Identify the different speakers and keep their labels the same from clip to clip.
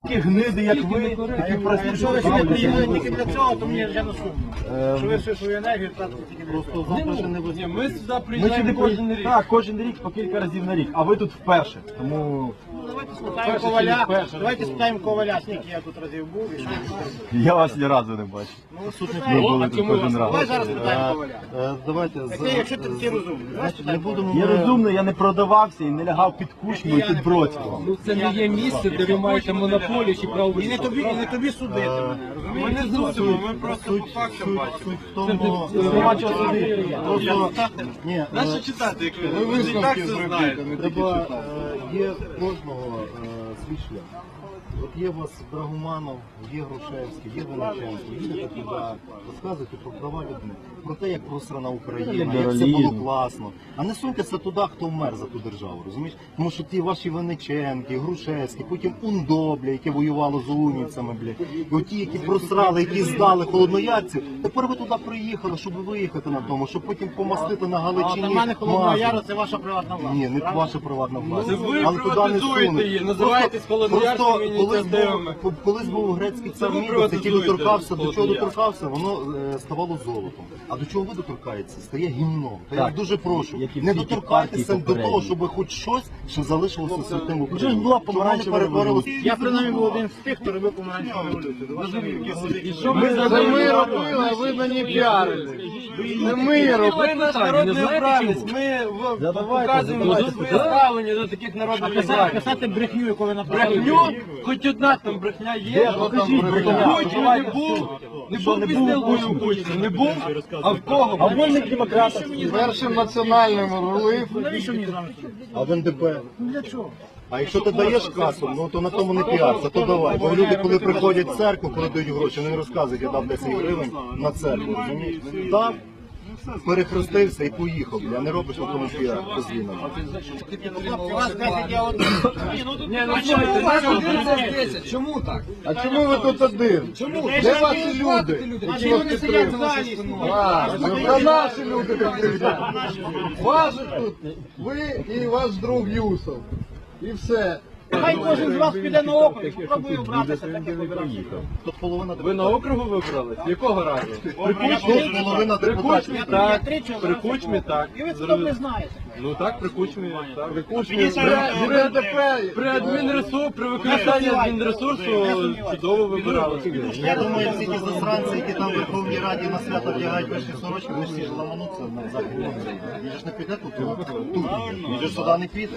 Speaker 1: такі гниди, як ви, такі прості.
Speaker 2: Якщо ви сюди приїхали тільки для цього, то мені вже не сумно. Що ви всю свою енергію тратите тільки для цього.
Speaker 1: Завтра не ви.
Speaker 3: Ми сюди приїжджаємо кожен рік.
Speaker 1: Так, кожен рік, по кілька разів на рік, а ви тут вперше. Тому
Speaker 2: Давайте спитаємо Коваля, давайте спитаємо Коваля, скільки я тут разів був і що він скаже.
Speaker 1: я вас ні разу не бачив.
Speaker 2: Ну,
Speaker 1: Ми були тут кожен
Speaker 2: Давай
Speaker 1: раз.
Speaker 2: зараз спитаємо Коваля.
Speaker 4: Давайте,
Speaker 2: Якщо ти такий розумний, давай
Speaker 4: не
Speaker 2: спитаємо.
Speaker 4: будемо...
Speaker 1: Я розумний, я не продавався і не лягав під кучму і під Бродського.
Speaker 3: Ну це не є місце, де ви маєте монополію чи право
Speaker 2: І не тобі судити мене,
Speaker 3: Ми
Speaker 2: розумієш?
Speaker 3: не судимо, ми просто по фактам бачимо.
Speaker 4: Суть в тому...
Speaker 1: Нема чого судити.
Speaker 4: Ні,
Speaker 3: Нащо читати, як ви? Ви ж і так це знаєте.
Speaker 4: треба, є в кожного свій шлях. От є у вас Драгоманов, є Грушевський, є Донеченко, їдете туди, розказуєте про права людини, про те, як просрана Україна, як все було класно. А не суньтеся туди, хто вмер за ту державу, розумієш? Тому що ті ваші Винниченки, Грушевські, потім УНДО, бля, яке воювало з унівцями, бля, і оті, які просрали, які здали холодноярців, тепер ви туди приїхали, щоб виїхати на тому, щоб потім помастити на
Speaker 2: А
Speaker 4: Галичині.
Speaker 2: для мене Холодного
Speaker 4: масло.
Speaker 2: Яру це ваша приватна власність.
Speaker 4: Ні, не
Speaker 2: правда?
Speaker 4: ваша приватна власність.
Speaker 3: Це ви
Speaker 4: Але туди не
Speaker 3: приватизуєте
Speaker 4: сунуть.
Speaker 3: її, називаєтесь холодноярськими ініціативами.
Speaker 4: Колись був грецький цар
Speaker 3: ви
Speaker 4: Мідас, який
Speaker 3: приватизуєте
Speaker 4: доторкався, до чого
Speaker 3: Холоднояр.
Speaker 4: доторкався, воно ставало золотом. А до чого ви доторкаєтеся? Стає гімном. То я
Speaker 1: Так.
Speaker 4: дуже прошу,
Speaker 1: Як і
Speaker 4: не
Speaker 1: всі ті
Speaker 4: доторкайтеся
Speaker 1: партії
Speaker 4: до того,
Speaker 1: попередні.
Speaker 4: щоб хоч щось, що залишилося святим в
Speaker 1: Вже ж
Speaker 4: Україні.
Speaker 1: була
Speaker 4: Щоб воно не
Speaker 1: помаранчева
Speaker 4: перетворилося.
Speaker 2: Я принаймні був один з тих, хто робив помаранчеву революцію. До вашої
Speaker 3: І що ми
Speaker 2: Це ми робили,
Speaker 3: а ви мені піарили. Це ми робили. Ви наш народний обранець. Ми показуємо своє ставлення до таких народних обранців.
Speaker 2: Писати брехню, яку ви написали.
Speaker 3: Брехню, хоч одна там брехня є,
Speaker 1: покажіть брехня.
Speaker 3: Кучмі не був, не був пізнілкою у Кучмі, не був, а в кого?
Speaker 1: А вольних демократів.
Speaker 5: Першим національним рулив.
Speaker 2: Навіщо мені з вами слухати?
Speaker 4: А в НДП?
Speaker 2: Для чого?
Speaker 4: А якщо ти даєш касу, ну то на тому не піарся, то давай. Бо люди, коли приходять в церкву, коли дають гроші, вони розказують, я дав 10 гривень на церкву, розумієш? Дав, перехрестився і поїхав, а не робиш на тому піар, розвінено.
Speaker 2: У вас 10 я один.
Speaker 3: Ні, ну слухайте, нас 11-10, чому так?
Speaker 5: А чому ви тут один?
Speaker 3: Чому?
Speaker 5: Де ваші люди?
Speaker 2: Наші люди сидять в залі.
Speaker 5: Та наші люди тут сидять. Ваші тут ви і ваш друг Юсов. І все.
Speaker 2: Хай кожен з вас піде на округ і спробує обратися так, як обирався.
Speaker 4: Тут половина
Speaker 3: Ви на округу вибрались? Якого разу?
Speaker 4: Тут половина
Speaker 3: При
Speaker 4: депутатів.
Speaker 3: Кучмі так,
Speaker 2: три чоловіка.
Speaker 3: при Кучмі так.
Speaker 2: І ви це добре знаєте.
Speaker 3: Ну так, при Кучмі так. При
Speaker 5: Кучмі
Speaker 3: При адмінресурсу, при використанні адмінресурсу чудово вибиралися.
Speaker 4: Я думаю, всі ті засранці, які там в Верховній Раді на свято вдягають пишні сорочки, вони ж всі ж ламануться на західній Україні. Він же ж не піде тут, він же ж сюди не піде.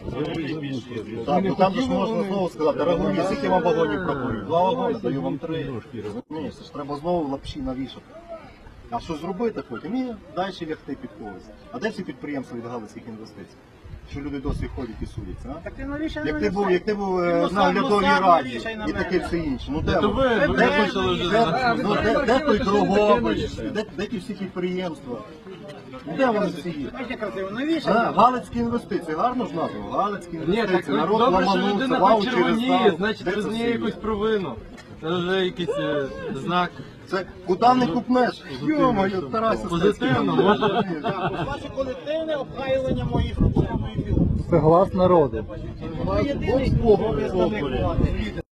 Speaker 4: Так, ну там же ж можна знову сказати, рагуні, скільки вам вагонів пропонують? 2 вагони, даю вам 3. Розумієш, це ж треба знову лапші навішати. А що зробити потім? І далі лягти під когось. А де всі підприємства від галицьких інвестицій? Що люди досі ходять і судяться, а?
Speaker 2: Так ти навіщо
Speaker 4: Як
Speaker 2: на
Speaker 4: ти
Speaker 2: мене
Speaker 4: був
Speaker 2: Ну,
Speaker 4: на оглядовій
Speaker 2: сам
Speaker 4: раді
Speaker 2: навішай на
Speaker 4: і
Speaker 2: мене.
Speaker 4: таке все інше. Ну де
Speaker 3: То
Speaker 4: ви?
Speaker 3: ви почали вже.
Speaker 4: Де той Дрогобич? Де ті всі підприємства? Де вони всі є?
Speaker 2: Бачите, красиво, навіщо?
Speaker 4: Галицькі інвестиції, гарно ж названо? Галицькі
Speaker 3: Ні, так
Speaker 4: інвестиції, народ
Speaker 3: добре, що
Speaker 4: ламанувся,
Speaker 3: людина
Speaker 4: ваучери
Speaker 3: почервоніє,
Speaker 4: став.
Speaker 3: значить
Speaker 4: Де це
Speaker 3: визнає
Speaker 4: все є?
Speaker 3: якусь провину. Це вже якийсь знак.
Speaker 4: Це куди не купнеш? Йо-моє, Тарасі.
Speaker 3: Позитивно, може.
Speaker 2: Ваше колективне обхайлення моїх роботи.
Speaker 5: Це глас народу.
Speaker 2: Ви єдиний, хто представник влади.